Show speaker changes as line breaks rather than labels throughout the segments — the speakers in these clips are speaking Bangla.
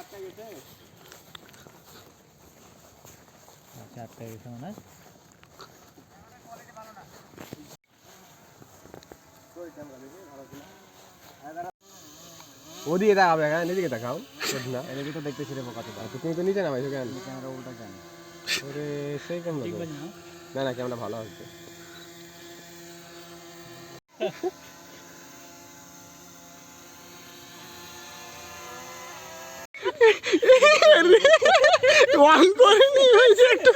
আটকে গেছে মনে
ওদিকে দেখাবে কেন, এদিকে দেখাও না,
এদিকে তো দেখতেছি রে কত
তো তুমি তো নিচে নামাইছো কেন?
ক্যামেরা উল্টা কেন?
ওরে সেই কেমন
ঠিক আছে না?
না না, ক্যামেরা ভালো হচ্ছে।
ওয়ান করে নিয়ে হয়েছে একটু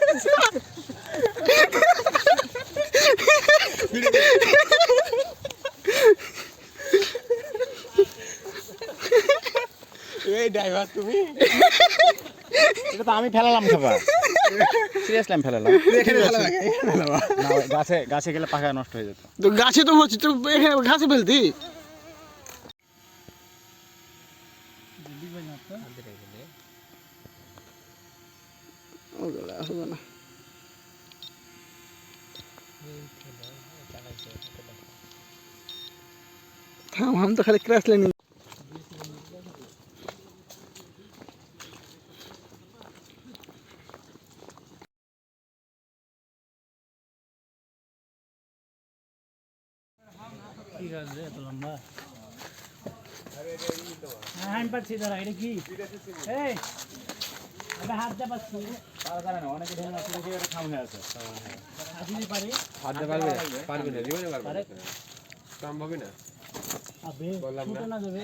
এই ড্রাইভার তুমি,
এটা তো আমি ফেলালাম খাবার, সিরিয়াসলি আমি ফেলালাম। না গাছে গাছে গেলে পাখা নষ্ট হয়ে যেত।
তো গাছে তো হচ্ছে, তো এখানে ঘাসে ফেলতি। ওগুলো হবে না। থাম, हम तो खाली क्रैश लेने।
কি গাছ রে এত লম্বা? হ্যাঁ আমি পাচ্ছি, দাঁড়া এটা কি? এই আমি হাত দিয়ে পাচ্ছি, পারা যায় না, অনেকে ঢেলে আছে, দেখে এটা খাম হয়ে আছে। হাত দিতে পারি?
হাত দিয়ে পারবে না, পারবে না, জীবনে পারবে না, সম্ভবই না।
আবে
বললাম না।
ছুটে না যাবে।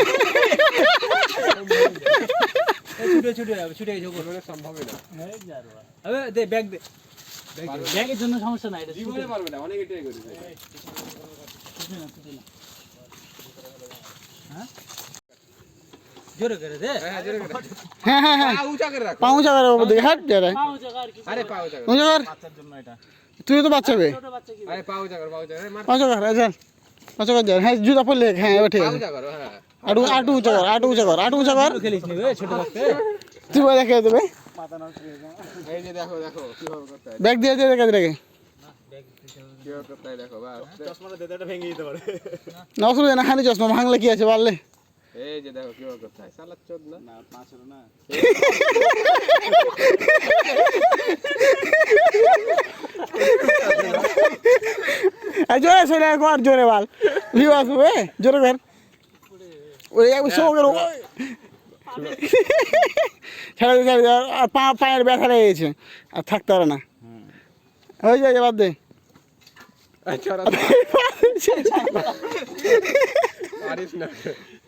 এই ছুটে ছুটে যাবে, ছুটে গেছে ওপর।
জীবনে সম্ভবই না,
এই যারবা। আবে দে ব্যাগ দে। ব্যাগের জন্য সমস্যা নাই, এটা
জীবনে পারবে না, অনেক এটাই করেছে।
ছুটে না, ছুটে না। হ্যাঁ জোরে করে দে।
হ্যাঁ জোরে করে,
হ্যাঁ হ্যাঁ হ্যাঁ,
পা উঁচা করে রাখো।
পাউঁ চাকার উপর দিকে হাট যা রে।
পাও জায়গা আর কি।
আরে পা উঁচা করো,
পাউঁ চাকার,
বাচ্চার জন্য এটা।
তুই তো বাচ্চা বে।
ছোট বাচ্চা কি?
আরে পা উঁচা করো, পা উঁচা করো, মার,
পাউঁ চাকার, চল পাউঁ চাকার যা। হ্যাঁ জুতা পরলে, হ্যাঁ এবার ঠিক
পা
আছে।
উঁচা করো, হ্যাঁ।
আটু আটু উঁচা কর, আটু উঁচা কর, আটু উঁচা কর।
খেলিস নি বে ছোট থাকতে?
তুই বলে রেখে দেবে।
মাথা নষ্ট হয়ে যায়।
এই যে দেখো দেখো কিভাবে করতে হয়,
ব্যাগ দিয়ে দিয়ে রেখে রেখে।
কিভাবে করতে হয় দেখো, বাস।
চশমাটা দে, এটা ভেঙে দিতে পারে।
না অসুবিধা না, খালি চশমা ভাঙলে কি আছে পারলে।
এই যে দেখো কিভাবে করতে হয়, সালাদ চোদ না।
না পাঁচ হলো না।
জোরে চলে কর, জোরে বাল ভিউ আসবে, জোরে কর। ওই শো করো, ছেড়ে দে ছেড়ে দে। আর পায়ের ব্যথা লেগে গেছে, আর থাকতে পারে না। হয়ে যায়, বাদ দে।
আচ্ছা পারিস না।